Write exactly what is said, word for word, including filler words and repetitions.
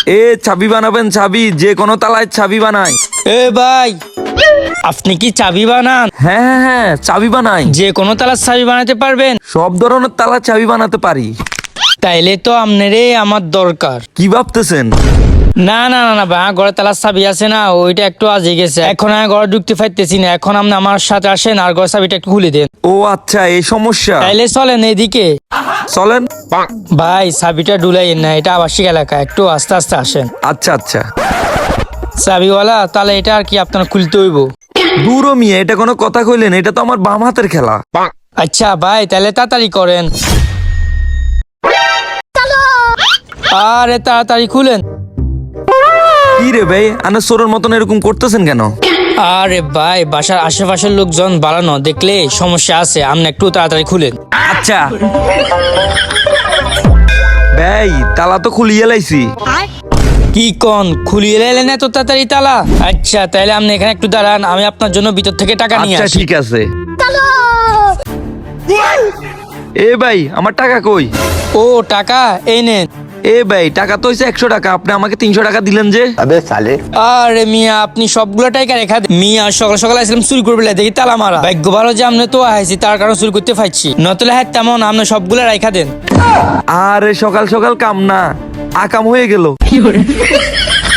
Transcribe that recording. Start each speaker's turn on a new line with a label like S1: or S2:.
S1: এ চাবি বানাবেন, চাবি যে কোনো তালায় চাবি বানাই।
S2: এ ভাই, আপনি কি চাবি বানান?
S1: হ্যাঁ হ্যাঁ হ্যাঁ, চাবি বানাই।
S2: যে কোনো তালার চাবি বানাতে পারবেন?
S1: সব ধরনের তালা চাবি বানাতে পারি।
S2: তাইলে তো আপনারে আমার দরকার।
S1: কি ভাবতেছেন?
S2: না না না না ভাই, আমার ঘরে তালার চাবি আছে না, ওইটা একটু আজে গেছে, এখন আমি ঘরে ঢুকতে পারতেছি না। এখন আপনি আমার সাথে আসেন আর ঘরের চাবিটা একটু খুলে দেন।
S1: ও আচ্ছা, এই সমস্যা।
S2: তাইলে চলেন এদিকে।
S1: চলেন।
S2: ভাই চাবিটা ডুলাইয়েন না, এটা আবাসিক এলাকা, একটু আস্তে আস্তে আসেন।
S1: আচ্ছা আচ্ছা।
S2: চাবিওয়ালা, তাহলে এটা আর কি আপনার খুলতে হইব।
S1: দূর মিয়া, এটা কোনো কথা কইলেন? এটা তো আমার বাম হাতের খেলা।
S2: আচ্ছা ভাই, তাহলে তাড়াতাড়ি করেন। আরে তাড়াতাড়ি খুলেন।
S1: কি রে ভাই, আনে চোরের মতন এরকম করতেছেন কেন?
S2: আরে ভাই, বাসার আশেপাশের লোকজন বাড়ানো দেখলে সমস্যা আছে, আপনি একটু তাড়াতাড়ি খুলেন।
S1: আচ্ছা ভাই, তালা তো খুলিয়ে লাইছি।
S2: কি কন, খুলিয়ে এলেন এত তাড়াতাড়ি তালা? আচ্ছা তাহলে আপনি এখানে একটু দাঁড়ান, আমি আপনার জন্য ভিতর থেকে টাকা নিয়ে
S1: আচ্ছা
S2: আসি।
S1: ঠিক আছে। এ ভাই, আমার টাকা কই?
S2: ও টাকা এই নেন।
S1: এ ভাই, টাকা তো হয়েছে একশো টাকা, আপনি আমাকে তিনশো টাকা দিলেন যে?
S3: अबे साले
S2: আরে মিয়া, আপনি সবগুলো টাকা রেখা দেন। মিয়া সকাল সকাল আসলাম চুরি করবে, দেখি তালা মারা। ভাগ্য ভালো যে আপনি তো আইছি, তার কারণে চুরি করতে পারছি, নতলে হ্যাঁ তেমন আপনি সবগুলো রেখা দেন।
S1: আরে সকাল সকাল কাম না, আকাম হয়ে গেল।